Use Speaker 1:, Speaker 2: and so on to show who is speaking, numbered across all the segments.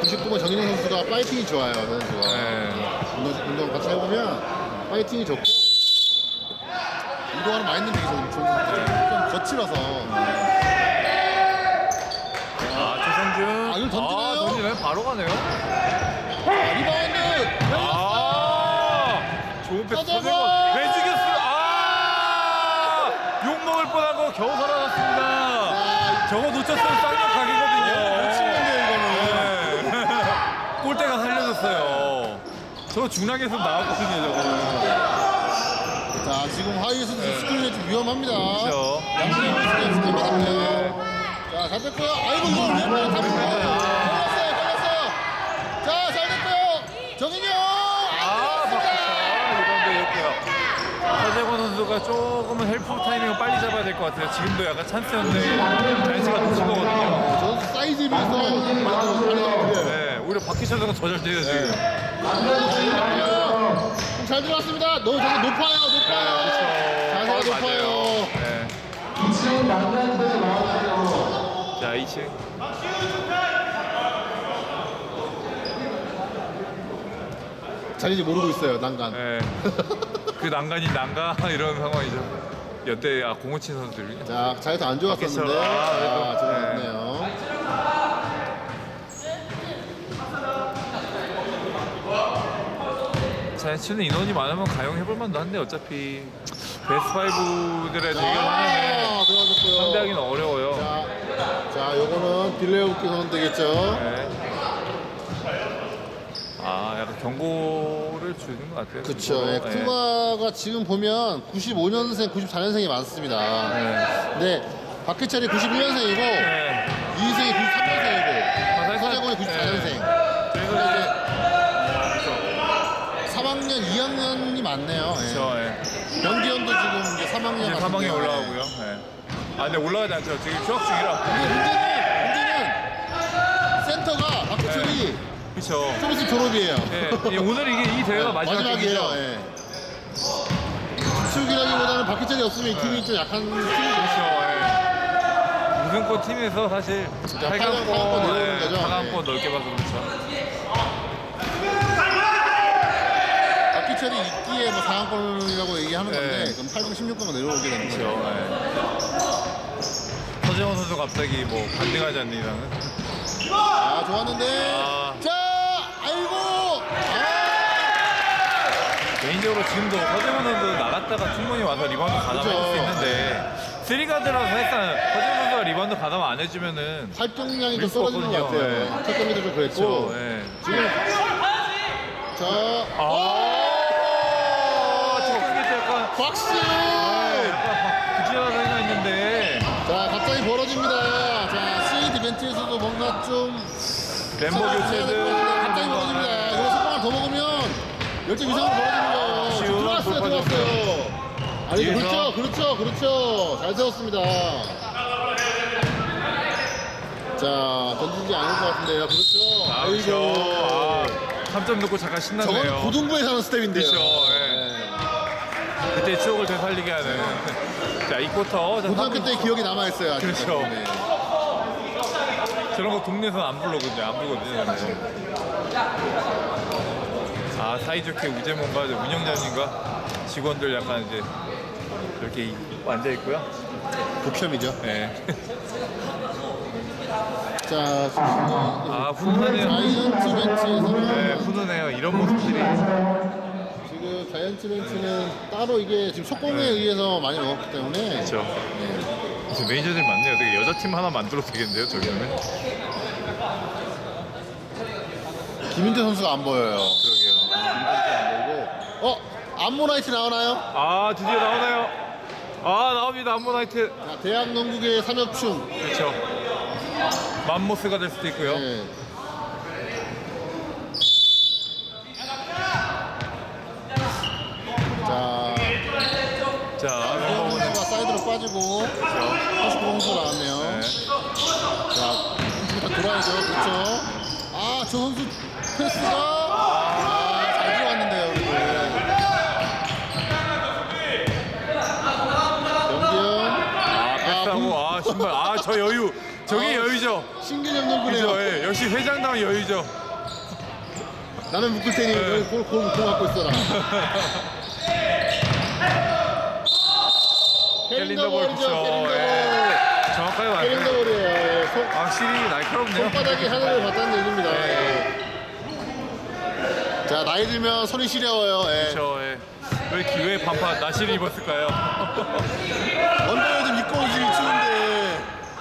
Speaker 1: 99번 정인영 선수가 파이팅이 좋아요. 저 선수가.
Speaker 2: 네.
Speaker 1: 운동 같이 해보면 파이팅이 좋고 운동하는 마인드는 되게 좋은 선수들. 좀 거칠어서.
Speaker 2: 최성준.
Speaker 1: 이걸 던지나요?
Speaker 2: 던지나요? 바로 가네요.
Speaker 1: 리바운드.
Speaker 2: 좋은 패스.
Speaker 1: 서재권!
Speaker 2: 왜 죽였어요? 욕먹을 뻔한 거 겨우 살아났습니다. 저거 놓쳤으면 쌍욕 각이거든요.
Speaker 1: 놓치는데 이거는.
Speaker 2: 골대가 살려줬어요. 저거 중랑에서 나왔거든요, 저거는.
Speaker 1: 자, 지금 하이 선수 스크린이 좀 위험합니다.
Speaker 2: 그렇죠.
Speaker 1: 양준영 선수가 스크린 받았고요. 자, 잘 됐고요. 아이고, 이거 왼발에 잡았고요. 걸렸어요. 자, 잘 됐고요. 정인영!
Speaker 2: 리바운드였고요. 서재권 선수가 조금은 헬프 타이밍을 빨리 잡아야 될 것 같아요. 지금도 약간 찬스였는데 찬스가 놓친 거거든요.
Speaker 1: 저 선수 사이즈에 비해서 많이
Speaker 2: 네, 오히려 박희철 선수가 더 잘 뛰어요, 지금.
Speaker 1: 잘 들어왔습니다. 너 저거 높아요. 자세가 높아요.
Speaker 2: 네. 자, 2층.
Speaker 1: 자리인지 모르고 있어요. 난간.
Speaker 2: 네. 그 난간이 난가 이런 상황이죠. 연대 057 선수들이.
Speaker 1: 자, 자리도 안 좋았었는데.
Speaker 2: 그래도.
Speaker 1: 지금 좋네요.
Speaker 2: 자이언츠는 인원이 많으면 가용해볼 만도 한데 어차피 베스트 5들의 대결하면
Speaker 1: 들어가졌고요.
Speaker 2: 상대하기는 어려워요.
Speaker 1: 자, 요거는 딜레이 웃기 선수 되겠죠.
Speaker 2: 네. 약간 경고를 주는 것 같아요.
Speaker 1: 그쵸.
Speaker 2: 네.
Speaker 1: 쿠가가 지금 보면 95년생, 94년생이 많습니다.
Speaker 2: 네.
Speaker 1: 근데 박해철이 91년생이고
Speaker 2: 네.
Speaker 1: 이희승이 93년생이고 서재권이 94년생.
Speaker 2: 그래서 이제
Speaker 1: 3학년, 2학년이 많네요.
Speaker 2: 그렇죠.
Speaker 1: 변기현도 지금 이제 3학년
Speaker 2: 이제 3학에 올라가고요. 네. 근데 올라가지 않죠. 지금 휴학 중이라.
Speaker 1: 문제는 센터가 박해철이
Speaker 2: 그렇죠.
Speaker 1: 좀 있으면 졸업이에요.
Speaker 2: 네. 오늘 이 대회가
Speaker 1: 마지막이에요.
Speaker 2: 경기죠.
Speaker 1: 축이라기보다는 박해철이 없으면 이 팀이 좀 약한 팀이죠.
Speaker 2: 우승권 팀에서 사실
Speaker 1: 8강권 내려오는 거죠.
Speaker 2: 8강권 넓게 봐서 그렇죠.
Speaker 1: 박해철이 있기에 뭐 4강권이라고 얘기하는 건데
Speaker 2: 네.
Speaker 1: 그럼 8강 16강으로 내려오게 되는 거죠.
Speaker 2: 네. 서재원 선수 갑자기 뭐 반등하지 않는 이상은.
Speaker 1: 좋았는데. 자, 아이고.
Speaker 2: 개인적으로 지금도 서재원 선수 나갔다가 충분히 와서 리바운드 가담할 수 있는데 3가드라서 일단 서재원 선수가 리바운드 가담 안 해주면은
Speaker 1: 활동량이 좀
Speaker 2: 밀 수
Speaker 1: 떨어지는 것
Speaker 2: 없거든요.
Speaker 1: 같아요. 첫 경기도 좀 그랬고.
Speaker 2: 그렇죠. 네.
Speaker 1: 지금 자,
Speaker 2: 첫 경기 때 약간
Speaker 1: 박수.
Speaker 2: 약간 부지런한 생각했는데
Speaker 1: 자, 갑자기 벌어집니다. 자, 시드 벤트에서도 뭔가 좀
Speaker 2: 멤버 교체들
Speaker 1: 갑자기 벌어집니다. 이거 성공을 더 먹으면 열정 이상으로 벌어지는 거예요. 들어왔어요. 아니, 그렇죠. 잘 세웠습니다. 자, 던지지 않을 것 같은데요. 그렇죠. 아이고.
Speaker 2: 3점 넣고 잠깐 신났네요.
Speaker 1: 저건 고등부에서 하는 스텝인데요.
Speaker 2: 그렇죠. 그때 추억을 되살리게 하는. 자, 이 쿼터.
Speaker 1: 고등학교 때 기억이 남아있어요.
Speaker 2: 그렇죠.
Speaker 1: 네.
Speaker 2: 저런 거 동네에서는 안 불거든요. 사이좋게 우재몬과 운영자님과 직원들 약간 이제 이렇게 앉아있고요.
Speaker 1: 복혐이죠.
Speaker 2: 네.
Speaker 1: 자,
Speaker 2: 훈훈하네요.
Speaker 1: 자이언츠 벤치에서는
Speaker 2: 네, 훈훈해요. 이런 모습들이.
Speaker 1: 지금 자이언츠 벤치는 따로 이게 지금 속공에 의해서 많이 먹었기 때문에
Speaker 2: 그렇죠. 이제 매니저들 많네요. 되게 여자팀 하나 만들어도 되겠는데요, 저기는.
Speaker 1: 김인재 선수가 안 보여요.
Speaker 2: 그러게요.
Speaker 1: 안 보이고. 암모나이트 나오나요?
Speaker 2: 드디어 나오나요? 나옵니다. 암모나이트.
Speaker 1: 자, 대학 농구계 삼엽충.
Speaker 2: 그렇죠. 맘모스가 될 수도 있고요.
Speaker 1: 네.
Speaker 2: 자,
Speaker 1: 이현 선수가 사이드로 빠지고 49공수 나왔네요. 자, 일단 돌아야죠. 그렇죠. 저 선수 패스가 잘 들어갔는데요. 그리고
Speaker 2: 패스하고 신발. 저 여유. 저게 여유죠.
Speaker 1: 신규 점점 끈끈해요.
Speaker 2: 그죠, 예. 역시 회장다운 여유죠.
Speaker 1: 나는 묶을 테니 너희 공 갖고 있어라.
Speaker 2: 캘린더볼
Speaker 1: 캐린더볼이죠.
Speaker 2: 그쵸.
Speaker 1: 캐린더볼.
Speaker 2: 정확하게 말해요.
Speaker 1: 캐린더볼이에요.
Speaker 2: 확실히 날카롭네요.
Speaker 1: 손바닥이 하늘을 봤다는 얘기입니다.
Speaker 2: 네.
Speaker 1: 자, 나이 들면 손이 시려워요. 예.
Speaker 2: 그렇죠. 예. 왜 기회에 반파 나시를 입었을까요?
Speaker 1: 언더에 좀 입고 오지 추운데.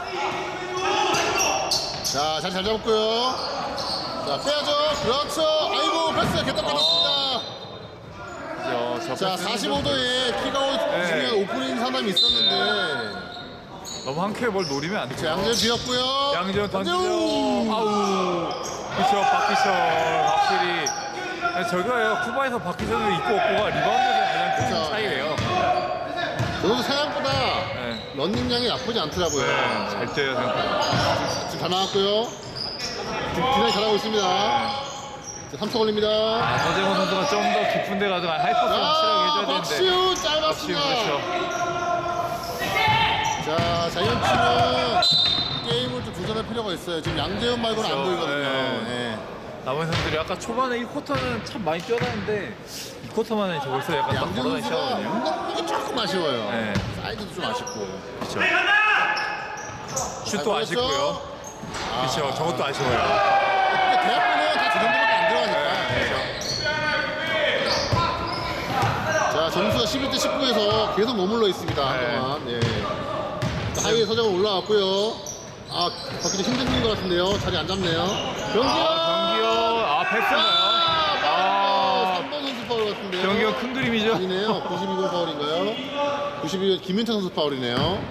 Speaker 1: 자, 잘 잡았고요. 자, 빼야죠. 그렇죠. 아이고, 패스 개떡 받았습니다. 자, 45도에 키가 중요한 오프닝 사람이 있었는데.
Speaker 2: 너무 한 큐에 뭘 노리면 안
Speaker 1: 자,
Speaker 2: 돼요.
Speaker 1: 양재현 비었고요.
Speaker 2: 양재현 던지죠. 아우. 그쵸, 박기철 확실히. 저거예요. 쿠바에서 박기철을 입고 없고가 리바운드에서 가장 큰
Speaker 1: 그쵸.
Speaker 2: 차이래요.
Speaker 1: 저도 생각보다
Speaker 2: 네.
Speaker 1: 런닝량이 나쁘지 않더라고요.
Speaker 2: 잘 뛰어요, 생각보다.
Speaker 1: 지금 다 나왔고요. 지금 디나이 잘하고 있습니다. 자, 3초 걸립니다.
Speaker 2: 서재원 선수가 좀 더 깊은 데 가서 하이퍼스 확실하게 해줘야 되는데.
Speaker 1: 박시우
Speaker 2: 박시우
Speaker 1: 짧았습니다.
Speaker 2: 그렇죠.
Speaker 1: 자, 자이언츠는 게임을 좀 조절할 필요가 있어요. 지금 양재현 말고는 안
Speaker 2: 그렇죠.
Speaker 1: 보이거든요.
Speaker 2: 네.
Speaker 1: 예.
Speaker 2: 남은 선수들이 아까 초반에 1쿼터는 참 많이 뛰어다녔는데 2쿼터만에 벌써 약간 딱
Speaker 1: 양재현
Speaker 2: 걸어다니기
Speaker 1: 선수가
Speaker 2: 시작하거든요.
Speaker 1: 운동력이 조금 아쉬워요.
Speaker 2: 네.
Speaker 1: 사이드도 좀 아쉽고.
Speaker 2: 그렇죠. 슛도
Speaker 1: 아,
Speaker 2: 아쉽고요. 그렇죠. 저것도 아쉬워요.
Speaker 1: 근데 대학교는 다 저 정도밖에 안 들어가니까.
Speaker 2: 네.
Speaker 1: 자, 점수가 11대 19에서 계속 머물러 있습니다. 한동안. 예. 자, 하이에 서정은 올라왔고요. 아, 바뀌기 힘든 것 같은데요. 자리 안 잡네요. 병기요!
Speaker 2: 경기요. 패스나요?
Speaker 1: 3번 선수 파울 같은데요.
Speaker 2: 경기가 큰 그림이죠.
Speaker 1: 아니네요. 92번 파울인가요? 92번 김윤태 선수 파울이네요.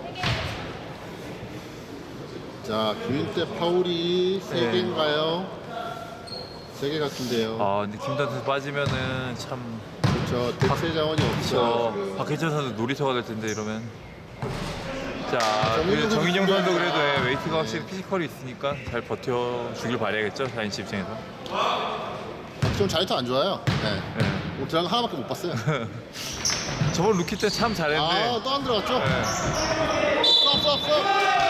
Speaker 1: 자, 김윤태 파울이 3개인가요? 3개 같은데요.
Speaker 2: 근데 김단 선수 빠지면은 참
Speaker 1: 그렇죠. 대체 자원이 없죠.
Speaker 2: 그렇죠. 박혜철 선수 놀이터가 될 텐데 이러면. 자,
Speaker 1: 정인영
Speaker 2: 정인영
Speaker 1: 선수
Speaker 2: 선수 그래도
Speaker 1: 중요합니다.
Speaker 2: 웨이트가 확실히 피지컬이 있으니까 잘 버텨주길 바라야겠죠. 자인치 입장에서.
Speaker 1: 좀 자유투 안 좋아요. 네.
Speaker 2: 네.
Speaker 1: 오늘 들어간 거 하나밖에 못 봤어요.
Speaker 2: 저번 루키 때 참 잘했는데.
Speaker 1: 또 안 들어갔죠?
Speaker 2: 네.
Speaker 1: 쏙.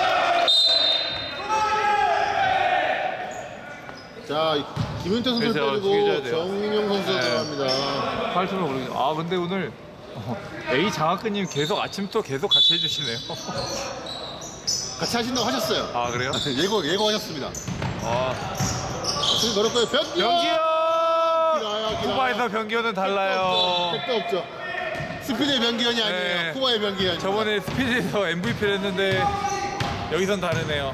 Speaker 1: 자, 김윤태 선수를
Speaker 2: 그래서
Speaker 1: 빼주고
Speaker 2: 죽여줘야 돼요.
Speaker 1: 정인영 선수가
Speaker 2: 네.
Speaker 1: 들어갑니다.
Speaker 2: 팔투를 모르겠어. 근데 오늘 A 장학근님 계속 아침부터 계속 같이 해주시네요.
Speaker 1: 같이 하신다고 하셨어요.
Speaker 2: 아 그래요?
Speaker 1: 예고하셨습니다. 지금 걸었고요. 변기현!
Speaker 2: 변기현! 쿠바에서 변기현은 달라요.
Speaker 1: 택도 없죠. 스피드의 변기현이 아니에요.
Speaker 2: 네.
Speaker 1: 쿠바의 변기현.
Speaker 2: 저번에 스피드에서 MVP를 했는데 여기선 다르네요.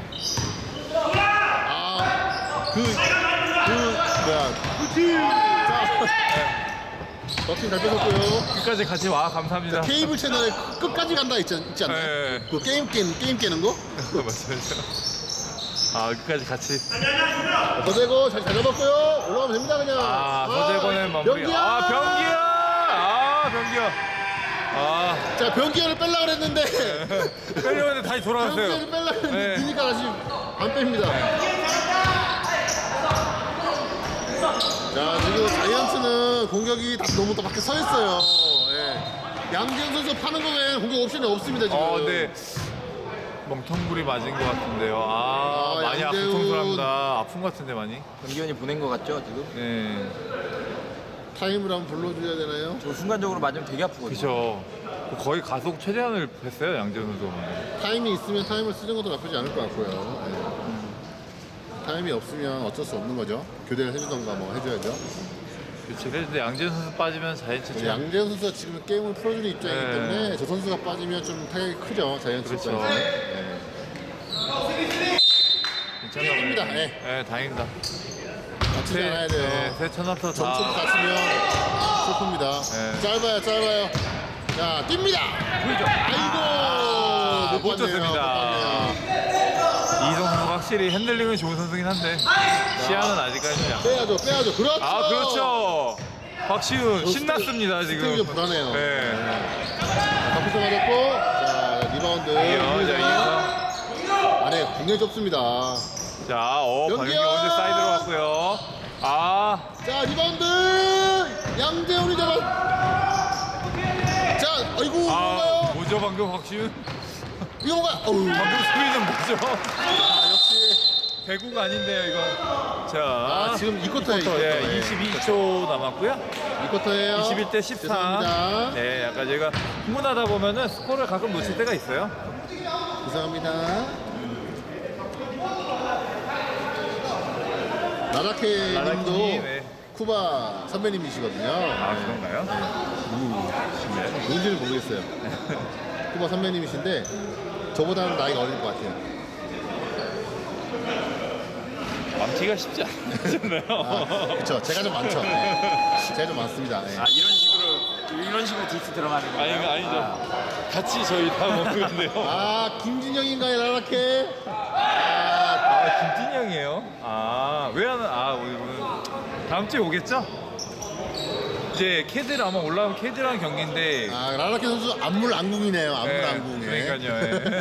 Speaker 1: 럭킹 잘 뺏었고요.
Speaker 2: 끝까지 같이 와 감사합니다.
Speaker 1: 케이블 채널에 끝까지 간다 있지 않나요?
Speaker 2: 네.
Speaker 1: 그 게임 깨는 거?
Speaker 2: 맞아요. 끝까지 같이.
Speaker 1: 서재고 잘 잡았고요. 올라가면 됩니다 그냥.
Speaker 2: 서재권의 마무리.
Speaker 1: 변기현!
Speaker 2: 변기현.
Speaker 1: 자, 변기현을 뺄라 그랬는데
Speaker 2: 빼려고 했는데 다시 돌아갔어요.
Speaker 1: 변기현을 뺄라 그랬는데
Speaker 2: 네.
Speaker 1: 니니까 다시 안 뺍니다. 자, 지금 자이언츠는 공격이 다 너무 또 밖에 서 있어요. 예. 양지현 선수 파는 거 외에 공격 옵션이 없습니다 지금.
Speaker 2: 근데 멍텅구리 맞은 것 같은데요. 많이
Speaker 1: 양재훈.
Speaker 2: 고통스럽다. 아픈 것 같은데 많이.
Speaker 3: 변기현이 보낸 것 같죠 지금?
Speaker 2: 네.
Speaker 1: 타임을 한번 불러줘야 되나요?
Speaker 3: 저 순간적으로 맞으면 되게 아프거든요.
Speaker 2: 그렇죠. 거의 가속 최대한을 했어요 양재훈 선수.
Speaker 1: 타임이 있으면 타임을 쓰는 것도 나쁘지 않을 것 같고요. 예. 타임이 없으면 어쩔 수 없는 거죠. 교대를 해주던가 뭐 해줘야죠.
Speaker 2: 그렇지. 근데 양재훈 선수 빠지면 자이언츠 참.
Speaker 1: 양재현 선수가 지금 게임을 풀어주는 입장이기
Speaker 2: 네.
Speaker 1: 때문에 저 선수가 빠지면 좀 타격이 크죠. 자이언츠
Speaker 2: 그렇죠.
Speaker 1: 입장에서. 예.
Speaker 2: 괜찮습니다.
Speaker 1: 네.
Speaker 2: 네, 다행입니다.
Speaker 1: 다치지 않아야 돼요.
Speaker 2: 새 천합서
Speaker 1: 점수
Speaker 2: 다.
Speaker 1: 다치면 슬픕니다.
Speaker 2: 네.
Speaker 1: 짧아요. 자, 뜁니다. 아이고,
Speaker 2: 못 줬습니다. 이희성 선수 확실히 핸들링은 좋은 선수긴 한데 시야는 아직까지는 약간.
Speaker 1: 빼야죠. 그렇죠.
Speaker 2: 그렇죠. 박시훈 신났습니다
Speaker 1: 스텝이
Speaker 2: 지금.
Speaker 1: 좀 불안해요.
Speaker 2: 네.
Speaker 1: 컴퓨터 맞았고, 자, 리바운드.
Speaker 2: 이희성.
Speaker 1: 안에 굉장히 좁습니다.
Speaker 2: 자,
Speaker 1: 변기현!
Speaker 2: 박영기 오늘 사이드로 왔고요.
Speaker 1: 자, 리바운드. 양재훈이 잡아. 자, 아이고, 뭔가요?
Speaker 2: 뭐죠 방금 박시훈?
Speaker 1: 이거 뭔가? 어우.
Speaker 2: 방금 스크린은 뭐죠?
Speaker 1: 역시
Speaker 2: 배구가 아닌데요, 이거. 자,
Speaker 1: 아, 지금 2쿼터예요.
Speaker 2: 예, 22초 남았고요.
Speaker 1: 2쿼터예요.
Speaker 2: 21대 14.
Speaker 1: 죄송합니다.
Speaker 2: 네, 약간 제가 흥분하다 보면은 스코어를 가끔 놓칠 때가 있어요.
Speaker 1: 죄송합니다. 나라케
Speaker 2: 나라케
Speaker 1: 님도
Speaker 2: 님, 네.
Speaker 1: 쿠바 선배님이시거든요.
Speaker 2: 아, 그런가요?
Speaker 1: 누군지는 모르겠어요. 쿠바 선배님이신데 저보다는 나이가 어릴 것 같아요.
Speaker 2: 망치가 쉽지 않잖아요.
Speaker 1: 아, 그쵸. 제가 좀 많죠. 네. 제가 좀 많습니다. 네.
Speaker 3: 아 이런 식으로 디스 들어가는
Speaker 2: 아니,
Speaker 3: 거예요?
Speaker 2: 아니죠. 같이 저희 다 먹는데요.
Speaker 1: 아, 김진영인가요, 나라케?
Speaker 2: 아, 김진영이에요? 아, 왜 하는, 오늘 다음 주에 오겠죠? 이제 캐들 아마 올라오면 캐들랑 경기인데.
Speaker 1: 아, 라라케 선수 안물안궁이네요. 안물안궁에.
Speaker 2: 그러니까요. 예.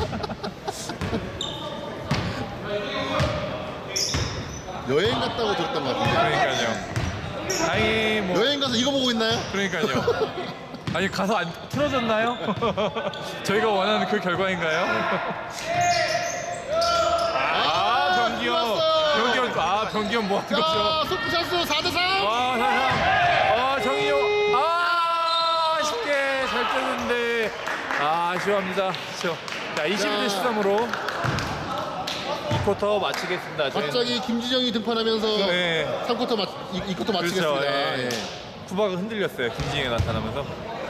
Speaker 1: 여행 갔다고 들었던 것 같은데.
Speaker 2: 그러니까요. 다행히 뭐.
Speaker 1: 여행 가서 이거 보고 있나요?
Speaker 2: 그러니까요. 아니 가서 안 틀어졌나요? 저희가 원하는 그 결과인가요? 병기현, 병기현, 병기현 뭐 하는 거죠?
Speaker 1: 자, 속구샷수 4대3.
Speaker 2: 와, 정희용, 쉽게 잘 떴는데, 아쉬워합니다. 그렇죠. 자, 21대 13으로 2쿼터 마치겠습니다.
Speaker 1: 갑자기 김지정이 등판하면서
Speaker 2: 네.
Speaker 1: 3쿼터 2쿼터 마치겠습니다.
Speaker 2: 그렇죠. 예.
Speaker 1: 예.
Speaker 2: 쿠바가 흔들렸어요. 김진영이 나타나면서.